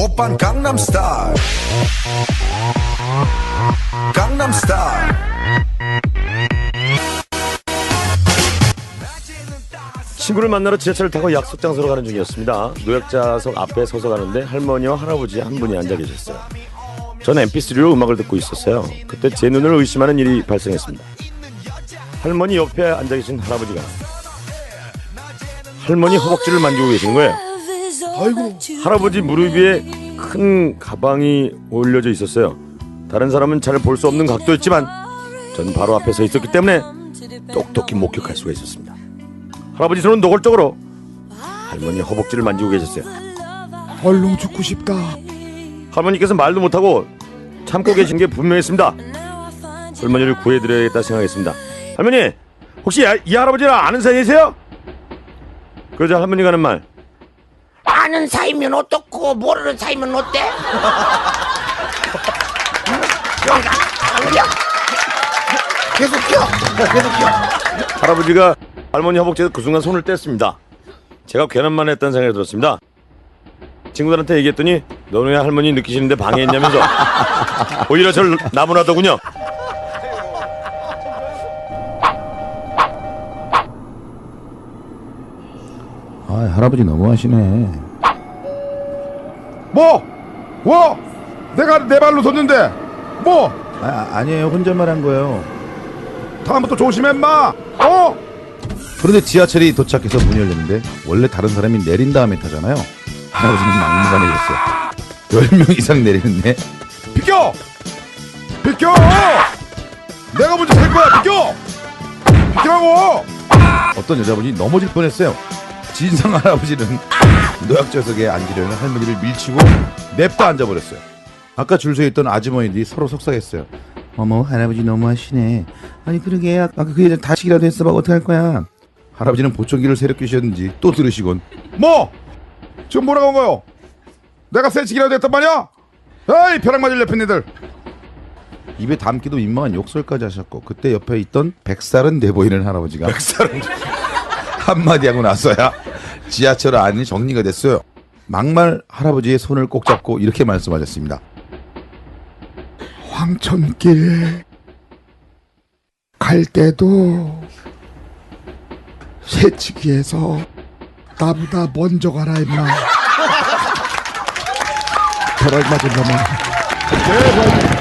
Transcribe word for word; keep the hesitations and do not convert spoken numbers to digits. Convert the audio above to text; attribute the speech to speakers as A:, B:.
A: 오빤 강남스타일 강남스타일.
B: 친구를 만나러 지하철을 타고 약속 장소로 가는 중이었습니다. 노약자석 앞에 서서 가는데 할머니와 할아버지 한 분이 앉아 계셨어요. 저는 엠피쓰리로 음악을 듣고 있었어요. 그때 제 눈을 의심하는 일이 발생했습니다. 할머니 옆에 앉아 계신 할아버지가 할머니 허벅지를 만지고 계시는 거예요.
C: 아이고.
B: 할아버지 무릎 위에 큰 가방이 올려져 있었어요. 다른 사람은 잘 볼 수 없는 각도였지만 저는 바로 앞에 서 있었기 때문에 똑똑히 목격할 수가 있었습니다. 할아버지 손은 노골적으로 할머니 허벅지를 만지고 계셨어요.
C: 얼른 죽고 싶다.
B: 할머니께서 말도 못하고 참고 계신 게 분명했습니다. 할머니를 구해드려야겠다 생각했습니다. 할머니, 혹시 이 할아버지랑 아는 사이이세요? 그러자 할머니가 하는 말,
D: 아는 사이면 어떻고 모르는 사이면 어때? 계속 켜, 계속 켜.
B: 할아버지가 할머니 허벅지에서 그 순간 손을 뗐습니다. 제가 괜한 말 했다는 생각이 들었습니다. 친구들한테 얘기했더니 너네 할머니 느끼시는데 방해했냐면서 오히려 저를 나무라더군요.
C: 아, 할아버지 너무하시네.
E: 뭐? 뭐? 내가 내 발로 섰는데 뭐?
C: 아, 아니에요. 혼잣말 한 거예요.
E: 다음부터 조심해 인마. 어?
C: 그런데 지하철이 도착해서 문이 열렸는데 원래 다른 사람이 내린 다음에 타잖아요. 할아버지는 막무가내였어요. 열 명 이상 내리는데
E: 비켜! 비켜! 내가 먼저 탈 거야. 비켜! 비키라고!
C: 어떤 여자분이 넘어질 뻔했어요. 진상 할아버지는 노약자석에 앉으려는 할머니를 밀치고 냅다 앉아버렸어요. 아까 줄 서 있던 아주머니들이 서로 속삭였어요. 어머, 할아버지 너무하시네. 아니 그러게 아까 그 여자 다치기라도 했어 봐. 어떡할 거야. 할아버지는 보청기를 세렵게 쥐었는지 또 들으시곤
E: 뭐? 지금 뭐라고 한 거요? 내가 새치기라도 했단 말이야? 에이 벼락 맞을 옆에 니들.
C: 입에 담기도 민망한 욕설까지 하셨고 그때 옆에 있던 백살은 돼 보이는 할아버지가
B: 백살은
C: 한마디 하고 나서야 지하철 안이 정리가 됐어요. 막말 할아버지의 손을 꼭 잡고 이렇게 말씀하셨습니다.
E: 황천길 갈 때도 새치기에서 나보다 먼저 가라 임마. 벼락 맞은 놈아.